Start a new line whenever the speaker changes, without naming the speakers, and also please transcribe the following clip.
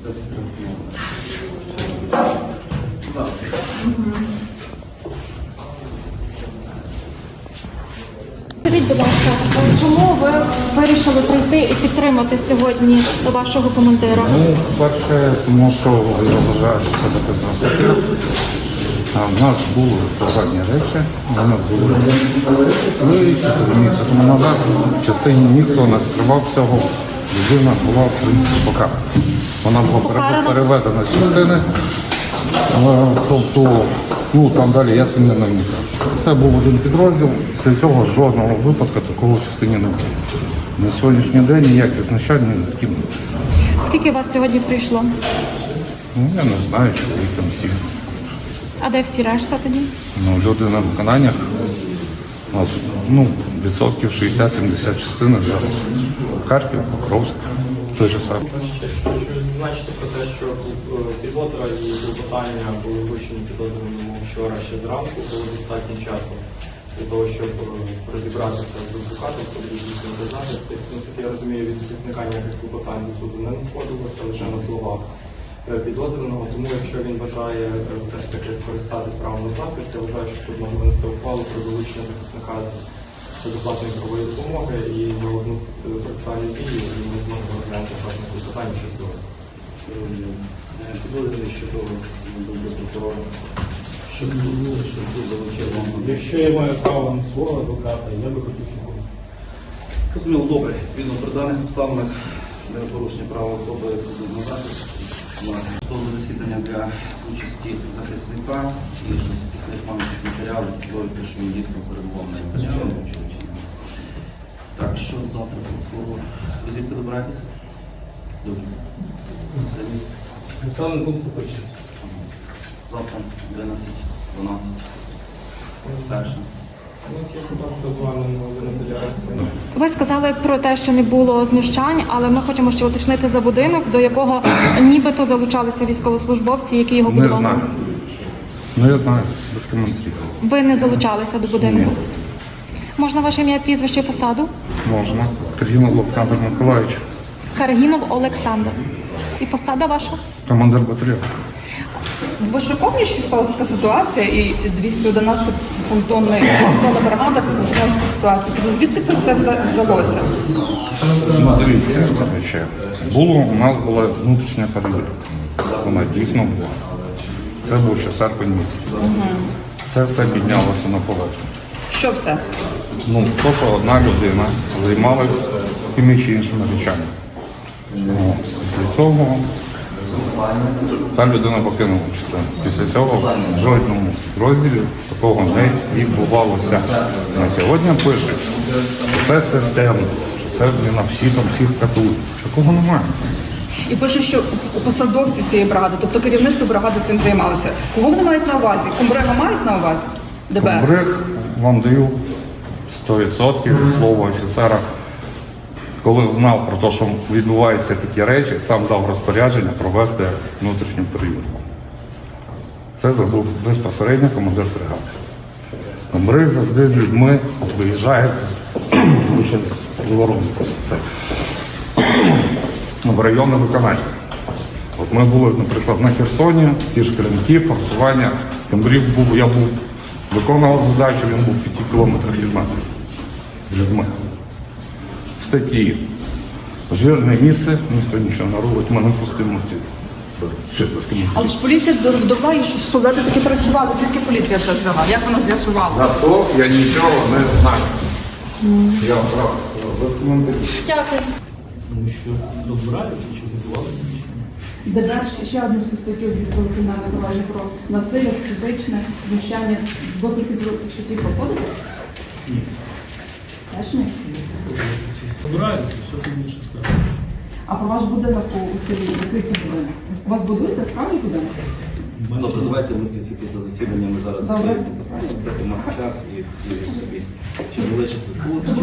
Це все транспортовано.
Скажіть, будь ласка, чому ви вирішили прийти і підтримати сьогодні вашого командира?
Ну, перше, тому що я вважаю, що це потрібна стаття. В нас були проведені речі, у нас були 3 місяці тому назад. В частині ніхто не скривав цього. Людина була, в принципі, покарана. Вона була переведена з частини. Тобто, ну там далі я цим не намікав. Це був один підрозділ, після цього жодного випадку такого в частині не було. На сьогоднішній день ніяких знущань не таким не було.
Скільки вас сьогодні прийшло?
Ну, я не знаю, чи їх там всі.
А де всі решта тоді?
Ну, люди на виконаннях, у нас, ну, відсотків 60-70 частини зараз. Харків, Покровськ, той же самий.
Хочу зазначити про те, що підозра і клопотання були вручені підозрюваному вчора ще зранку, було достатньо часу для того, щоб розібратися з адвокатом, про захист. Наскільки я розумію, від захисника ніяких клопотань до суду не надходило, це лише на словах підозрюваного. Тому якщо він бажає все ж таки скористатись правом на захист, я вважаю, що тут можна винести ухвалу про долучення захисника з безоплатної правової допомоги і за одну процесуальну дію, і ми зможемо розглянути власне клопотання ще сьогодні.
Підозрюваний щодо до прокурора, щоб суд залучив вам.
Якщо я маю право на свого адвоката, я би хотів, щоб він.
Розуміло, добре. Відповідно, при даних обставинах для порушення права особи будуть надати. У нас готове засідання для участі захисника і що після пам'ятних матеріалів довідки, що він дійсно перебував на інтернету чи ні. Так, що завтра прокурор? Ви звідки добираєтеся? Добре.
Населений пункт Купичинський.
Завтра 11-12. Перше.
У нас є завтра з вами на телерадіо.
Ви сказали про те, що не було знущань, але ми хочемо ще уточнити за будинок, до якого нібито залучалися військовослужбовці, які його
Не
будували.
знаю. Ну, я знаю, без коментарів.
Ви не залучалися до будинку?
Ні.
Можна ваше ім'я, прізвище і посаду?
Можна. Киргінов Олександр Миколаївич,
Каргінов Олександр. І посада ваша?
командир батальйону.
В Вишуковні що сталася така ситуація, і 211 понтонна бригада опинилася в ситуації. Тобто звідки це все взялося?
Ну, дивіться, у нас була внутрішня перевірка. Вона дійсно була. Це був ще серпень місяць. Це все піднялося на поверхню.
Що все?
Ну, то, що одна людина займалась тими чи іншими речами. Ну, після цього та людина покинула частину. Після цього в жодному розділі такого не відбувалося. На сьогодні пишуть, що це системно, що це на всіх катують. Такого немає.
І пише, що посадовці цієї бригади, тобто керівництво бригади цим займалося. Кого вони мають на увазі? Комбрига мають на увазі? ДБР?
Комбриг вам даю 100% слово офіцера. Коли знав про те, що відбуваються такі речі, сам дав розпорядження провести внутрішню перевірку. Це зробив безпосередньо командир бригади. Комбриг завжди з людьми виїжджає з ворогу просто все. В районне виконання. От ми були, наприклад, на Херсоні, ті ж Кремки, форсування. Комбриг був, я виконував задачу, він був 5 кілометрах від мене з людьми. В статті жирне місце, ніхто нічого не робить, ми не пустимо ці.
Але ж поліція довела, що солдати таки працювали. Звідки поліція це взяла? Як вона з'ясувала?
За то я нічого не знаю. Я вам правда сказав, без коментарів.
Дякую.
Тому що розбирати чи готували?
ДБР ще одну статтю відповідно кримінальне провадження про насилля, фізичне знущання. Ви по цій статті проходите?
Ні.
Теж ні?
Збирається, все пізніше скажу.
А про ваш будинок у селі, який це будинок? У вас будується справді будинок?
Добре, давайте ми ці всі після засідання ми зараз
Добре.
дати час і собі. Чи залишиться тут?